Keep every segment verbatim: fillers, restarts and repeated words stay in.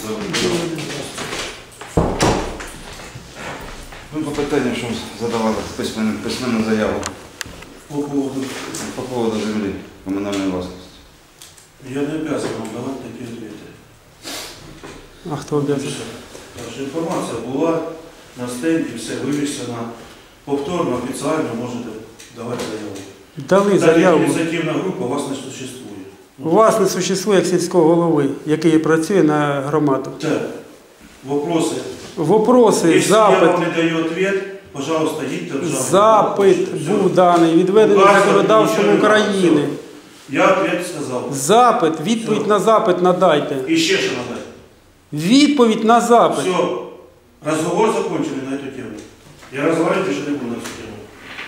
Ну, по питанню, що задавали письменну, письменну заяву. По поводу? По поводу землі комунальної власності. Я не обязан вам давати такі відповіді. А хто обов'язок? Тож інформація була на стенді, все вивішено. Повторно, офіційно можете давати заяву. Дали заяву. Так, ініціативна група у вас не существує. У вас не существує як сільського голови, який працює на громаду. Так. Вопроси. Вопроси, Якщо запит. я вам не даю відповідь, пожалуйста, їдьте в жабу. Запит був даний, відведений законодавством України. Я відповідь сказав. Запит, відповідь Все. на запит надайте. І ще що надати. Відповідь на запит. Все. Разговор закончили на эту тему. Я разговаривать еще не буду на эту тему.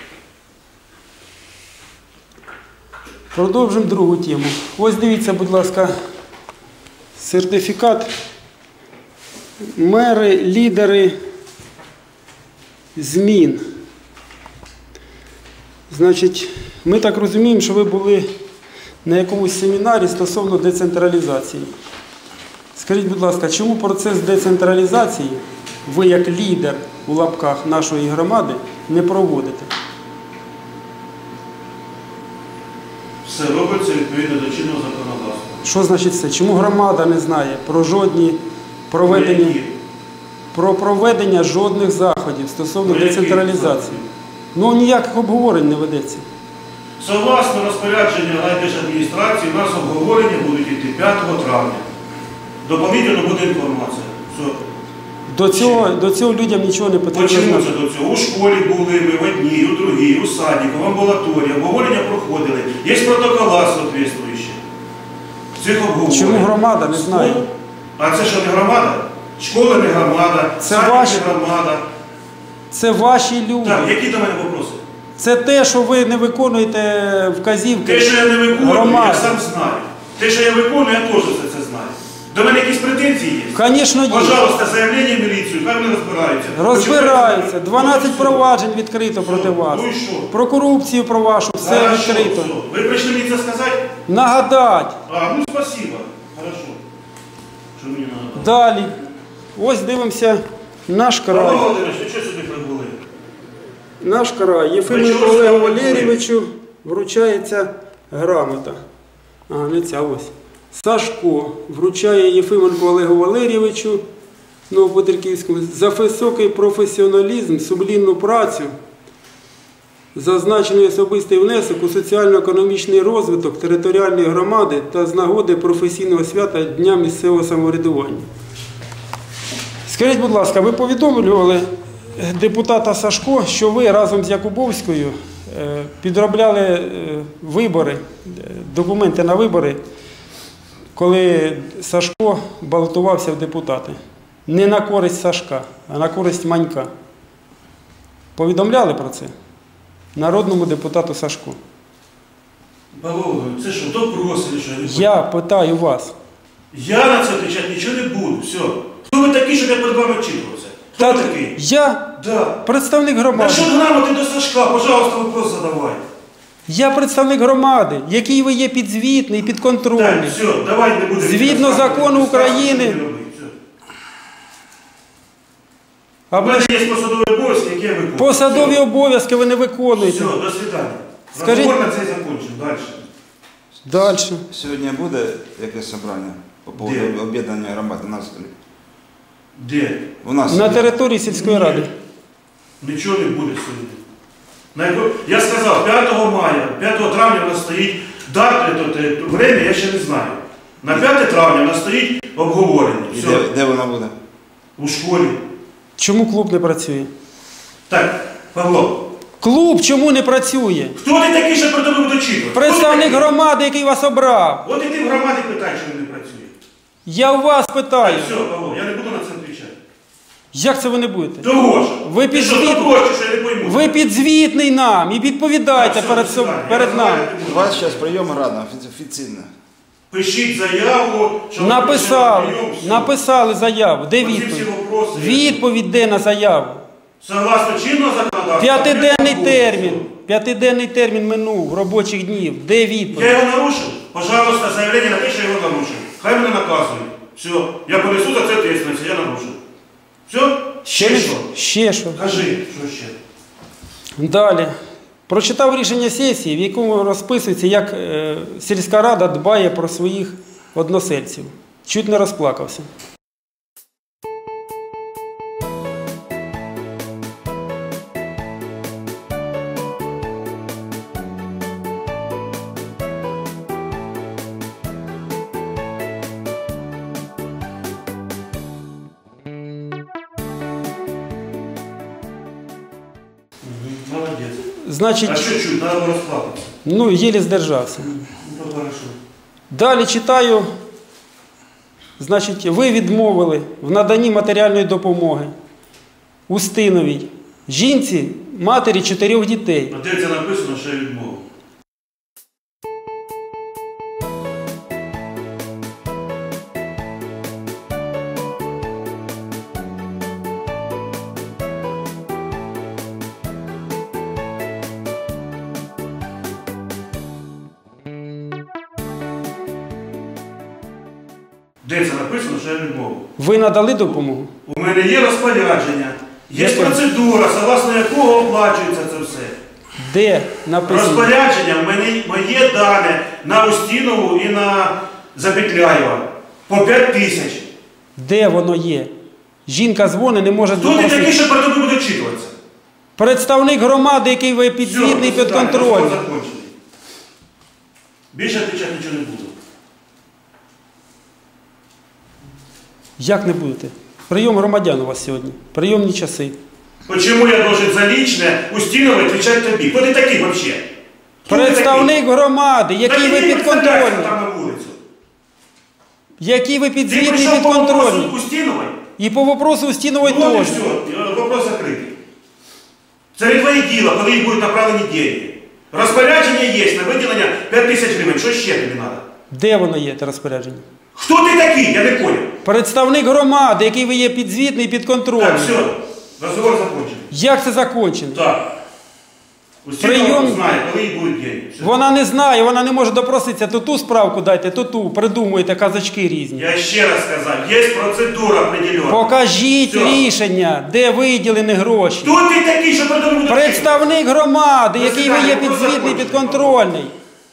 Продовжимо другу тему. Ось дивіться, будь ласка, сертифікат. Мери, лідери змін. Значить, ми так розуміємо, що ви були на якомусь семінарі стосовно децентралізації. Скажіть, будь ласка, чому процес децентралізації ви, як лідер у лапках нашої громади, не проводите? Все робиться відповідно до чинного законодавства. Що значить це? Чому громада не знає про жодні проведення, Які? про проведення жодних заходів стосовно Про які децентралізації? заходи? Ну, ніяких обговорень не ведеться. Согласно розпорядженню райдержадміністрації, у нас обговорення будуть йти п'ятого травня. Доповнительно буде інформація. Все. До цього, до цього людям нічого не потрібно Почему знати. це до цього? У школі були ми, в одній, у другій, у садіку, в амбулаторії, обговорення проходили. Є протоколи соответствуючі. Цих обговорень. Чому громада не знає? А це що, не громада? Школа не громада, Це садик ваші- не громада. Це ваші люди. Так, які до мене вопроси? Це те, що ви не виконуєте вказівки Те, що я не виконую, громади. я сам знаю. Те, що я виконую, я теж все це знаю. До мене якісь претензії є? Звісно, є. Пожалуйста, заявлення в міліцію, хай вони розбираються. Розбираються. дванадцять Ну, і все. проваджень відкрито проти Все. вас. Ну і що? Про корупцію про вашу, все Хорошо, відкрито. все. Ви прийшли мені це сказати? Нагадать. А, ну спасибо. Хорошо. Що мені нагадали? Далі. Ось дивимося наш Павло край. Володимирович, ви чого сюди прибули? Наш край. Єфименку чого Олегу сюди прибули? Валерійовичу вручається грамота. А, не ця ось. Сашко вручає Єфименку Олегу Валерійовичу Новопетриківському за високий професіоналізм, сумлінну працю, зазначений особистий внесок у соціально-економічний розвиток територіальної громади та з нагоди професійного свята Дня місцевого самоврядування. Скажіть, будь ласка, ви повідомлювали депутата Сашко, що ви разом з Якубовською е, підробляли е, вибори, е, документи на вибори, коли Сашко балотувався в депутати. Не на користь Сашка, а на користь Манька. Повідомляли про це народному депутату Сашку? Павло Володимирович, це що, допрос чи що? Я не Я питаю вас. Я на це відповідати нічого не буду. Все. Хто ви такий, щоб я перед вами вчитувався? Хто Та ви такий? я Да. представник На громади. що грамоти до Сашка? Пожалуйста, вопрос задавай. Я представник громади, який ви є підзвітний, Так, підконтрольний. все, давай не будемо. Згідно закону України. У А ви мене ж є посадові обов'язки, які я виконую. посадові Все. обов'язки ви не виконуєте. Все, до свидання. Скажіть- Розговор на цей закончимо. Далі. Далі. Сьогодні буде якесь собрання по поводу Де? об'єднання громад у нас? Де? У нас На є. території сільської Ні. ради. Нічого не буде сьогодні. На яко- Я сказав, п'ятого мая, п'ятого травня у нас стоїть дата, то, то, время я ще не знаю. На п'яте травня у нас стоїть обговорення. І Все. де, де вона буде? У школі. Чому клуб не працює? Так, Павло, Клуб чому не працює? хто ти такий, що перед тобою дочитувати? Представник громади, який вас обрав. От і ти в громаді питай, чому не працює. Я у вас питаю. Все, Павло, я не буду на це відповідати. Як це ви не будете? Того ж. Ви Ти що, підзвіт- того ж, що я не пойму? Ви підзвітний нам і відповідайте Так, все, перед, до соб- свидання. перед Я нами. розмовляти не У буду. вас зараз прийом рада офіційна. Пишіть заяву, що ви Написали, прийшли на прийом, все. написали заяву. Де Оці всі відповідь? вопроси. Відповідь де на заяву? Согласно чинного законодавства. П'ятиденний я термін. буду. П'ятиденний термін минув робочих днів. Де Я відповідь? його нарушив? Пожалуйста, заявлення на те, що я його нарушив. Хай мене наказують. Все. Я понесу за це відповідальність, я нарушив. Все? Ще не- що? Ще що? Кажи, що ще? Далі. Прочитав рішення сесії, в якому розписується, як е, сільська рада дбає про своїх односельців. Чуть не розплакався. Молодець. Значить, А що чуть, треба розплакатися. ну, єлі здержався. Ну, то хорошо. Далі читаю. Значить, ви відмовили в наданні матеріальної допомоги Устиновій, жінці, матері чотирьох дітей. А де це написано, що я відмовив? Де це написано, що я відмовив? Ви надали допомогу? У мене є розпорядження, є Яке? процедура, согласно якого оплачується це все. Де написано? Розпорядження в мене моє дане на Устінову і на Запетляєва по п'ять тисяч. Де воно є? Жінка дзвонить, не може Хто ти такий, запросити. що перед тобою буде читуватися? Представник громади, який ви підзвітний, Все, підконтрольний. розговор закончений. Більше відповідати нічого не буду. Як не будете? Прийом громадян у вас сьогодні. Прийомні часи. Почему я должен за личное Устинова отвечать тобі? Хто ти такий вообще? Хто ти Представник громади, такий? який Та ви ти не представляєшся підконтрольний. там на вулицю. Який ви Ти підзвітний, прийшов по вопросу підконтрольний. Устінової? І по вопросу Устінової Ну, от і теж. все, вопрос закритий. Це не твоє діло, коли їх будуть направлені деньги. Розпорядження є на виділення п'ять тисяч гривень. Що ще тобі треба? Де воно є, те розпорядження? Хто ти такий? Я не понял. Представник громади, який ви є підзвітний, Так, підконтрольний. все, розговор закончений. Як це закончено? Так. Устінова Прийом- знає, коли їх будуть деньги. Все. Вона не знає, вона не може допроситися. То ту справку дайте, то ту. Придумуєте казачки різні. Я ще раз сказав, є процедура определена. Покажіть Все. рішення, де виділені гроші. Хто ти такий, що перед тобою буде Представник громади, До який ви є свидання, вопрос підзвітний, закончений. підконтрольний.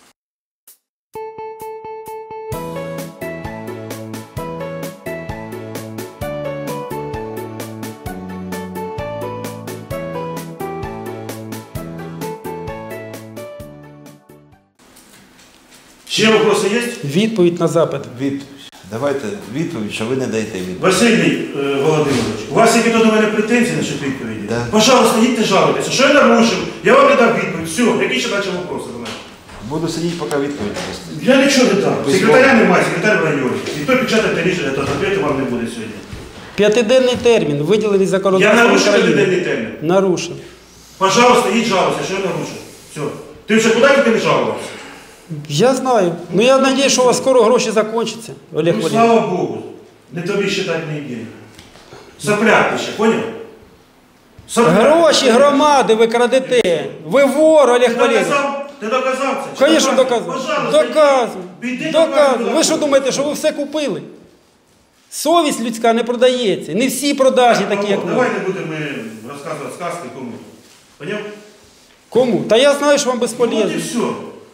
Ще вопроси є? Відповідь на запит. Відповідь. Давайте відповідь, що ви не даєте відповідь. Василій е, Володимирович, у вас які до мене претензії на що відповіді? Да. Пожалуйста, їдьте жалуйтеся. Що я нарушив? Я вам не дав відповідь. Все, які ще далі вопроси до мене? Буду сидіти, поки відповідь просто. Я нічого не дав. Ви Секретаря немає, секретар в районі. Ніхто печатати рішення, то відповіді вам не буде сьогодні. П'ятиденний термін, виділений Я законодавством нарушив України. п'ятиденний термін. Нарушив. Пожалуйста, їдь жалуйся, що я нарушив. Все. Ти вже куди тільки не жалувався? Я знаю. Ну я сподіваюся, що у вас скоро гроші закінчаться, Олег Ну, Валерійович. слава Богу. Не тобі считати не деньги. Сопляк ти ще, поняв? Сопляк. Гроші громади ви крадете. Ви вор, Ти Олег Валерійович. доказав? Ти доказав це? Чи Звісно, доказую. Пожалуйста, Доказую. піди Доказую. доказуй. Ви що думаєте, що ви все купили? Совість людська не продається. Не всі продажні такі, як ви. Давай не будемо ми розказувати сказки кому. Поняв? Кому? Та я знаю, що вам Ну, от безполезно. і все.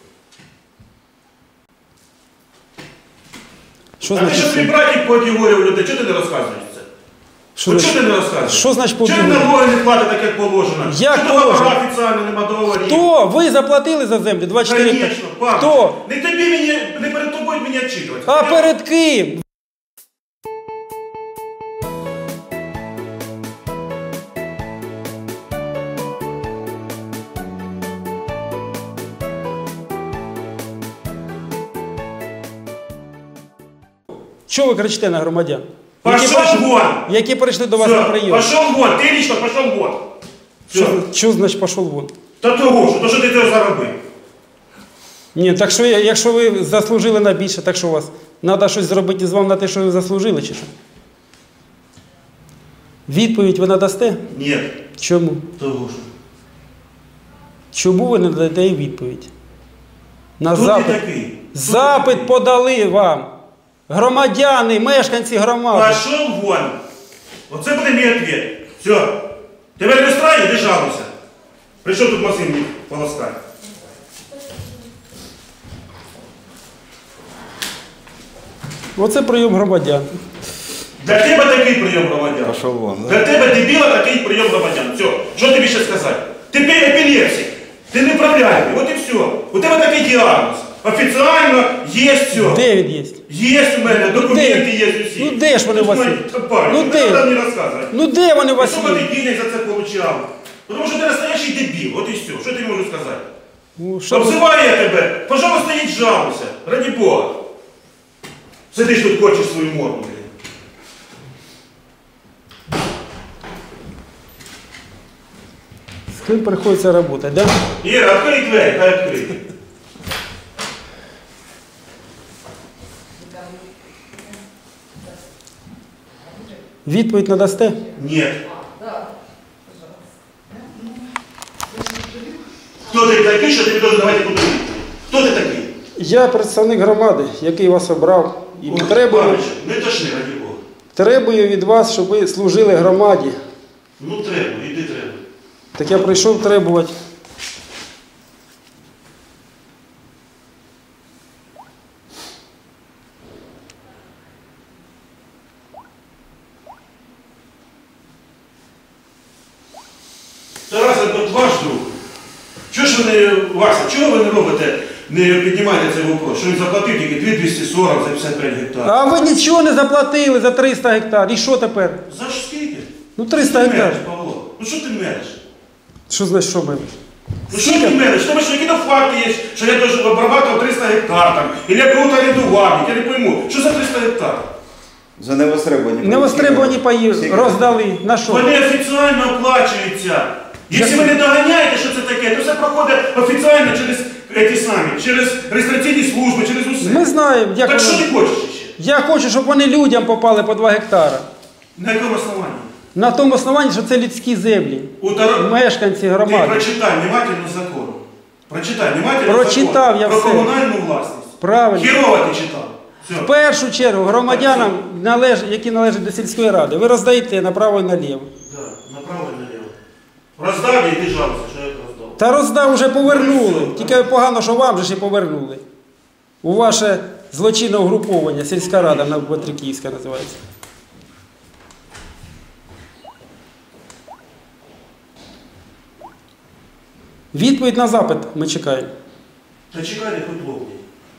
Що А ти значить? що твій все? братик поодігорів людей, чого ти не розказуєш це? Що От значить? чого ти не розказуєш? Що значить Чого ти поодігорів? налоги не платить так, як положено? Як Чого положено? договора офіційно нема договорів? Хто? Ви заплатили за землю? двадцять чотири. Конечно, пан. Хто? Не тобі мені, не перед тобою мені відчитувати. А перед ким? Чого ви кричите на громадян? Які Пошел прийшли, вон! які прийшли до вас Все, на прийом? пошел вон, ти лично пошел вон. Все. Що, що значить пішов вон? Та того, що, то що ти це заробив. Ні, так що я- якщо ви заслужили на більше, так що у вас? Треба щось зробити з вами на те, що ви заслужили, чи що? Відповідь ви надасте? Ні, Чому? того що. Чому ви не даєте їй відповідь? На Хто запит. ти такий? Хто Запит ти подали вам. Громадяни, мешканці громади. Пошел вон. Оце буде мій відповідь. Все. Тебе не устраиває, іди жалуйся. Прийшов тут машин мені полоскати. Оце прийом громадян. Для тебе такий прийом громадян. Пошел вон, да? Для тебе, дебіла, такий прийом громадян. Все. Що тобі ще сказати? Ти епілепсик. Ти неправляємий. От і все. У тебе такий діагноз. Офіційно є все. Де він є? Є у мене, документи є усі. Ну де ж вони у вас є? Ну Ну де? де? Не треба мені розказувати. Ну де вони у вас Сколько є? ти денег за це получав? Тому що ти настоящий дебіл, от і все. Що ти можу сказати? Ну, що ви- Обзиваю я тебе, пожалуйста, їдь жалуйся, ради Бога. Сидиш тут, хочеш свою морду, блін. З ким приходиться працювати, да? Іра, відкрий двері, хай відкриє. Відповідь надасте? Ні. Хто ти такий, що тобі должен давати куди? Хто ти такий? Я представник громади, який вас обрав. І Ой, требую, Павлович, не тошни, ради Бога. требую від вас, щоб ви служили громаді. Ну треба, іди треба. Так я прийшов требувати. Тарас, от ваш друг. Чого ж ви не, Вася, чого ви не робите, не піднімаєте цей вопрос? Що він заплатив тільки дві тисячі двісті сорок за п'ятдесят п'ять гектарів? А ви нічого не заплатили за триста гектар. І що тепер? За ж скільки? Ну Що триста ти гектар. мериш, Павло? Ну що ти мериш? Що значить, що ми? Ну що ти мериш? Тому що які-то факти є, що я теж обрабатував триста гектар там, і я кого-то орендував, я не пойму. Що за триста гектар? За невостребувані. Невостребувані паї Скільки? роздали. На що? Вони офіційно оплачуються. Якщо ви не доганяєте, що це таке, то все проходить офіційно через ті самі, через реєстраційні служби, через усе. Ми знаємо, як Так що воно. ти хочеш ще? Я хочу, щоб вони людям попали по два гектара. На якому основанні? На тому основанні, що це людські землі. У Таро... Мешканці Ти громади. прочитай внимательно закон. Прочитай внимательно Прочитав закон я про все. комунальну власність. Правильно. Хірово ти читав. Все. В першу чергу громадянам, належ... які належать до сільської ради, ви роздаєте направо і наліво. Да, направо і наліво. Роздав я, іди жалуйся, що я роздав. Та роздав вже повернули. Ну, все, Тільки погано, що вам же ще повернули. У ваше злочинне угруповання, сільська рада на Петриківська називається. Відповідь на запит ми чекаємо. Та чекайте хоч ловні.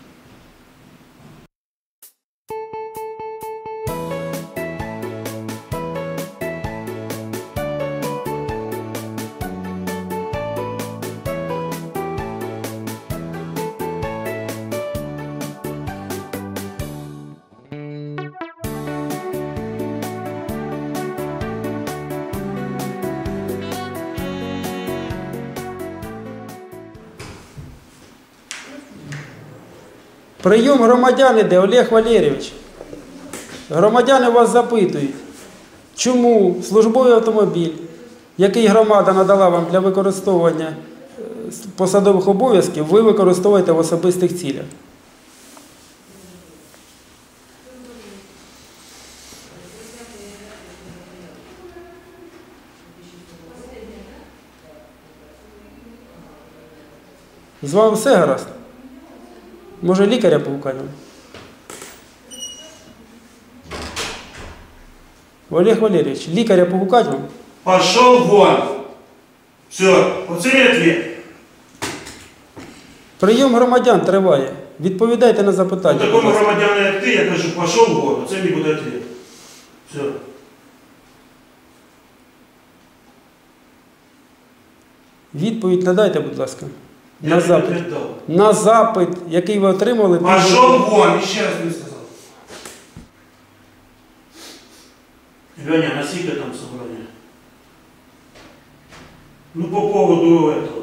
Прийом громадян іде, Олег Валерійович. Громадяни вас запитують, чому службовий автомобіль, який громада надала вам для використовування е, посадових обов'язків, ви використовуєте в особистих цілях. З вами все гаразд? Може лікаря погукаємо? Олег Валерійович, лікаря погукать вам? Пошел вон. Все, оце є відповідь. Прийом громадян триває. Відповідайте на запитання. Такому будь ласка. громадяну, як ти, я кажу, пошел вон, оце мені буде відповідь. Все. Відповідь надайте, будь ласка. Я На тобі запит. відповідь дав. На запит, який ви отримали. Пошел вон, ще раз не сказав. Леня, на скільки там собрання? Ну, по поводу этого.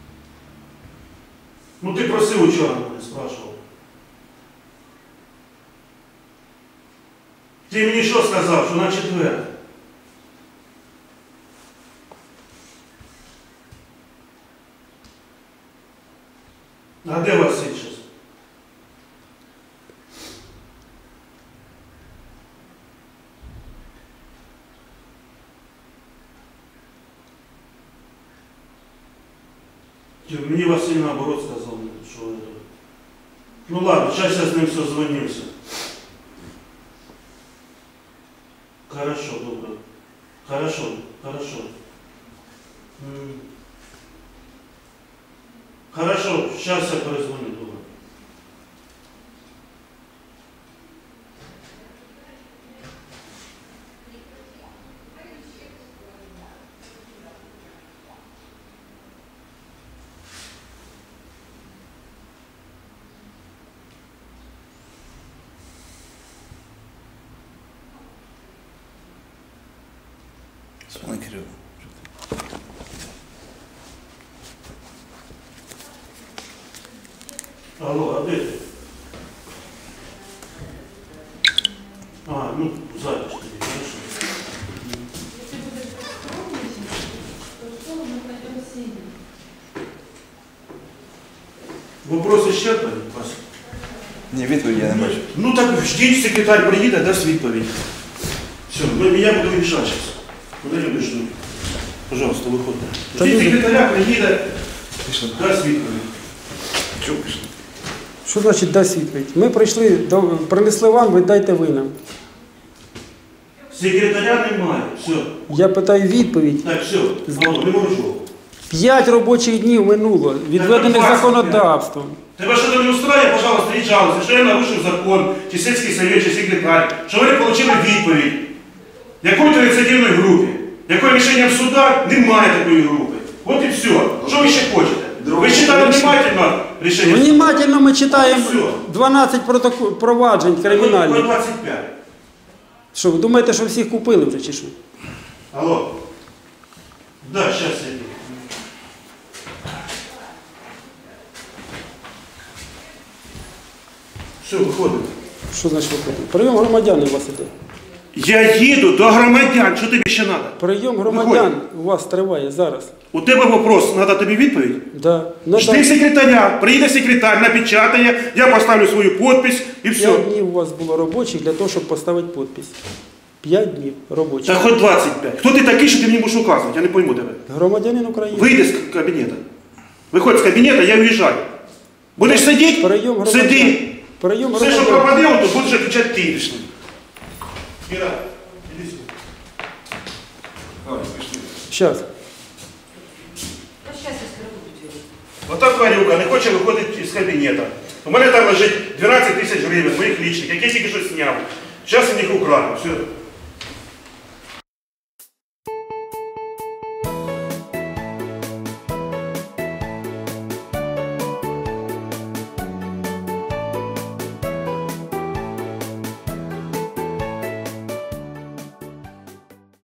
Ну, ти просив учора мене, спрашивав. Ти мені що сказав, що на четвер? А де Василь зараз? Мені Василь наоборот сказав, що это. Ну ладно, сейчас я с ним созвонимся. Хорошо, добро. Хорошо, хорошо. М. Хорошо, сейчас я перезвоню, добро. Світлана Кирилівна. Алло, а де ти? А, ну, запись тобі, хорошо. Если будет промышленность, то что мы пойдем сильно? Вопрос исчерпаний, Вася? Ні, відповіді я не бачу. Ну так ждіть, секретарь приїде, дасть відповідь. Все, ну, я буду рішати зараз. Куди любиш? Ну? Пожалуйста, виходьте. Та Ждіть, люди- секретаря приїде, Пішли. дасть відповідь. Чого пішли? Що значить дасть відповідь? Ми прийшли, до, принесли вам, ви дайте ви нам. Секретаря немає, все. Я питаю відповідь. Так, все, алло, не можу. П'ять робочих днів минуло, відведених двадцять законодавством. Тебе що-то не устроє, пожалуйста, і жалуйся, що я нарушив закон, чи сільський совет, чи секретар, що ви не отримали відповідь. Якої-то ініціативної групи, якої рішенням суда немає такої групи. От і все. Що ви ще хочете? Ви читали внимательно рішення суда? Внимательно ми читаємо Все. дванадцять протокол, проваджень Ой, кримінальних. двадцять п'ять. Що, ви думаєте, що всіх купили вже чи що? Алло. Да, сейчас я иду. Все, виходимо. Що значить виходить? Прийом громадян у вас іде. Я їду до громадян, що тобі ще треба? Прийом громадян у вас триває зараз. У тебе вопрос, треба тобі відповідь? Да. Ну, Жди так. секретаря, приїде секретар, напечатає, я поставлю свою підпис і все. П'ять днів у вас було робочих для того, щоб поставити підпис. П'ять днів робочих. Та хоч двадцять п'ять. Хто ти такий, що ти мені будеш указувати? Я не пойму тебе. Громадянин України. Вийди з кабінету. Виходь з кабінету, я уїжджаю. Будеш сидіти? Прийом громадян. Сиди. Прийом Все, що громадян. пропаде, то будеш відповідати ти. Пішли. Іра, іди сюди. Давай, пішли. Щас. А сейчас я скоро буду делать. Ота тварюка не хоче виходити з кабінету. У мене там лежить дванадцять тисяч гривень, моїх лічних, які я тільки що зняв. Зараз я їх украду. Все.